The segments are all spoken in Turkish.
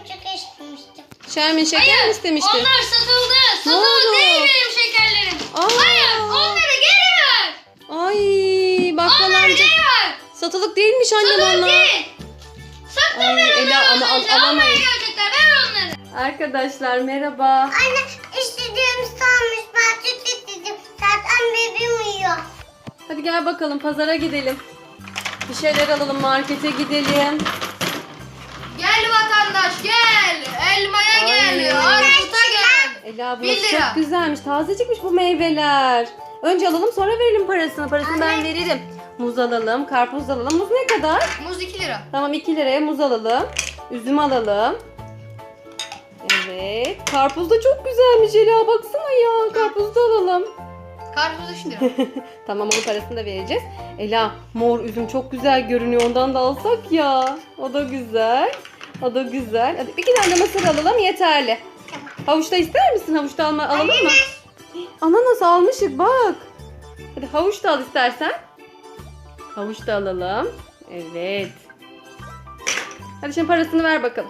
şeker istemiştim. Şermin şeker mi istemiştin? Onlar satıldı. Ne Satıldı oldu? değil benim şekerlerim. Aa. Hayır, onları geri ver. Ay bakkal Onları amca. geri ver. Satılık değilmiş annem Satılık onlar. değil. Sattım Ay, ben onları Ela, ama az önce. alamayız. Almaya gelecekler. Ver onları. Arkadaşlar merhaba. Anne istediğim sanmış. Ben süt istedim. Zaten bebeğim uyuyor. Hadi gel bakalım pazara gidelim. Bir şeyler alalım, markete gidelim. Gel vatandaş gel. Elmaya Ay. gel. Armuta gel. Ela 1 burası lira. çok güzelmiş. Tazecikmiş bu meyveler. Önce alalım sonra verelim parasını. Parasını ben veririm. Muz alalım, karpuz alalım. Muz ne kadar? Muz 2 lira. Tamam 2 liraya muz alalım. Üzüm alalım. Evet. Karpuz da çok güzelmiş Ela. Baksana ya. Karpuz da alalım. Karpuz 3 lira. Tamam onun parasını da vereceğiz. Ela mor üzüm çok güzel görünüyor. Ondan da alsak ya. O da güzel. O da güzel. Hadi 2 tane de mısır alalım yeterli. Havuçta ister misin? Havuçta alalım mı? Ananas almışık bak. Hadi havuç da al istersen. Havuç da alalım. Evet. Hadi şimdi parasını ver bakalım.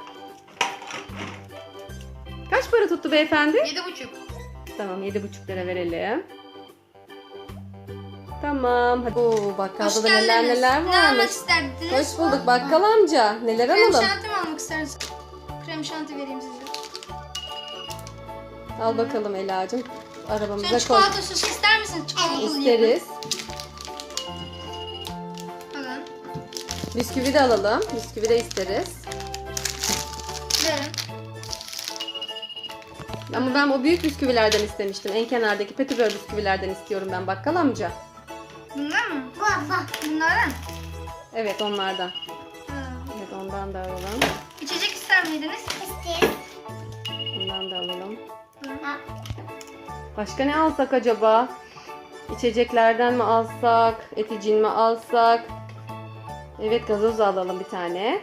Kaç para tuttu beyefendi? 7,5. Tamam 7,5 lira verelim. Tamam. Hadi. Oo, bakkalda da neler neler Ne almak varmış. isterdiniz? Hoş bulduk bakkal amca. Neler Krem alalım? şanti mi almak istersiniz? Krem şanti vereyim size. Al bakalım Ela'cığım. Sen Arabamıza koy. çikolata sosu ister misin? Çikolatalı İsteriz. Alın. Bisküvi de alalım. Bisküvi de isteriz. Verin. Ama ben o büyük bisküvilerden istemiştim. En kenardaki petibör bisküvilerden istiyorum ben bakkal amca. Bunlar mı? Baba. Bunlardan. Evet onlardan. Ha. Evet ondan da alalım. İçecek ister miydiniz? İstedim. Bundan da alalım. Ha. Başka ne alsak acaba? İçeceklerden mi alsak? Eticin mi alsak? Evet gazoz da alalım bir tane.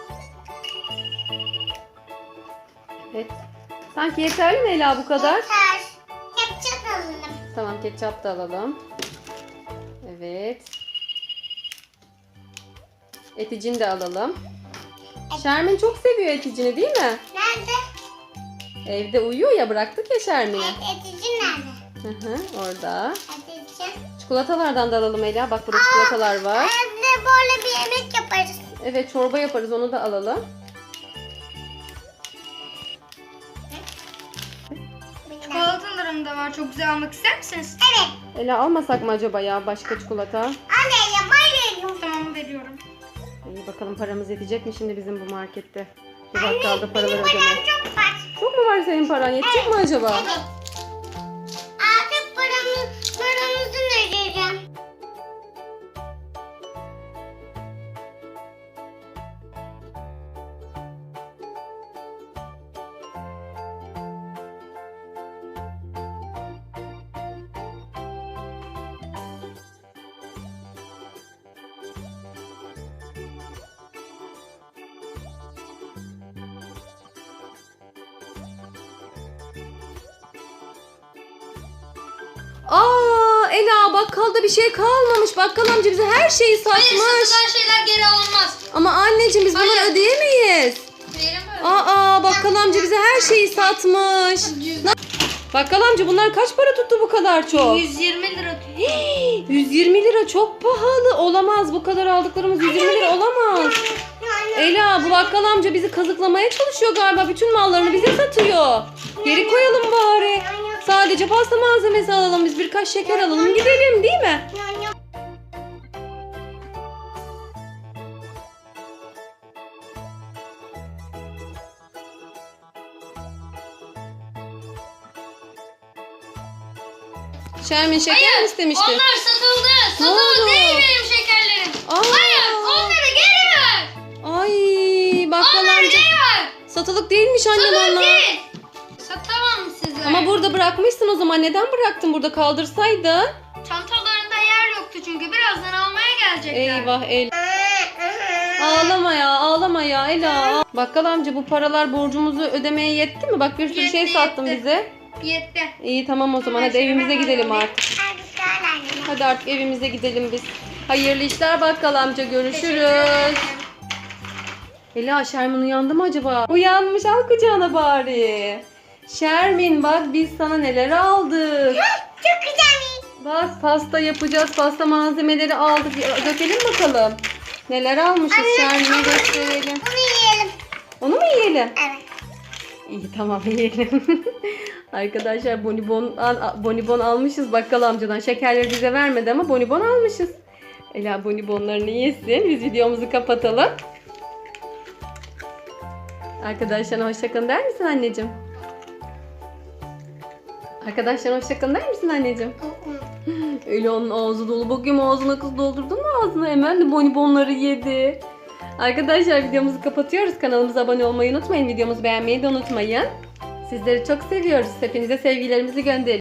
Evet. Sanki yeterli mi Ela bu kadar? Yeter. Ketçap alalım. Tamam ketçap da alalım. Evet. Eticin de alalım. Şermin çok seviyor eticini değil mi? Nerede? Evde uyuyor ya bıraktık ya Şermin'i. Etici nerede? Hı hı, orada. Etici. Çikolatalardan da alalım Ela. Bak burada çikolatalar var. Evde böyle bir yemek yaparız. Evet çorba yaparız onu da alalım. Çikolatalarım da var. Çok güzel almak ister misiniz? Evet. Ela almasak mı acaba ya başka çikolata? Anne bayılıyorum. Tamam veriyorum. İyi bakalım paramız yetecek mi şimdi bizim bu markette? Bu bakkalda paraları Benim ödemeye. param çok var. Çok mu var senin paran? Yetecek mi acaba? Evet. Artık paramızı ödeyeceğim. Aa Ela bakkalda bir şey kalmamış. Bakkal amca bize her şeyi Hayır satmış. satılan şeyler geri alınmaz. Ama anneciğim biz bunları Hayır. ödeyemeyiz. Verin böyle. Aa bakkal amca bize her şeyi satmış. Bakkal amca bunlar kaç para tuttu bu kadar çok? 120 lira. 120 lira çok pahalı. Olamaz bu kadar aldıklarımız 120 lira olamaz. Ela bu bakkal amca bizi kazıklamaya çalışıyor galiba. Bütün mallarını bize satıyor. Geri koyalım bari. Sadece pasta malzemesi alalım biz birkaç şeker alalım gidelim değil mi? Şermin şeker mi istemiştin? Onlar satıldı. Ne Satıldı oldu? değil benim şekerlerim. Aa. Hayır onları geri ver. Ay bakkal Onları amca geri ver. satılık değilmiş annem Satılık onlar. değil. Satamam size. Ama burada bırakmışsın o zaman neden bıraktın burada kaldırsaydın? Çantalarında yer yoktu çünkü birazdan almaya gelecekler. Eyvah Ela. Ağlama ya ağlama ya Ela. Bakkal amca bu paralar borcumuzu ödemeye yetti mi? Bak bir sürü şey Yetti, sattın yetti. bize. Yetti. İyi tamam o zaman Her hadi şeyi evimize ben gidelim alayım. artık. Hadi gel anne. Hadi artık evimize gidelim biz. Hayırlı işler bakkal amca Teşekkür görüşürüz. ederim. Ela, Şermin uyandı mı acaba? Uyanmış, al kucağına bari. Şermin bak biz sana neler aldık. Çok güzel. Bak pasta yapacağız. Pasta malzemeleri aldık. Dökelim bakalım. Neler almışız Şermin'e gösterelim. Bunu yiyelim. Onu mu yiyelim? Evet. İyi tamam yiyelim. Arkadaşlar bonibon almışız bakkal amcadan. Şekerleri bize vermedi ama bonibon almışız. Ela bonibonlarını yesin. Biz videomuzu kapatalım. Arkadaşlarına hoşçakalın der misin anneciğim? Arkadaşlarına hoşçakalın der misin anneciğim? Ela'nın ağzı dolu. Bakayım ağzına kız doldurdun mu ağzına? Hemen de bonibonları yedi. Arkadaşlar videomuzu kapatıyoruz. Kanalımıza abone olmayı unutmayın. Videomuzu beğenmeyi de unutmayın. Sizleri çok seviyoruz. Hepinize sevgilerimizi gönderiyoruz.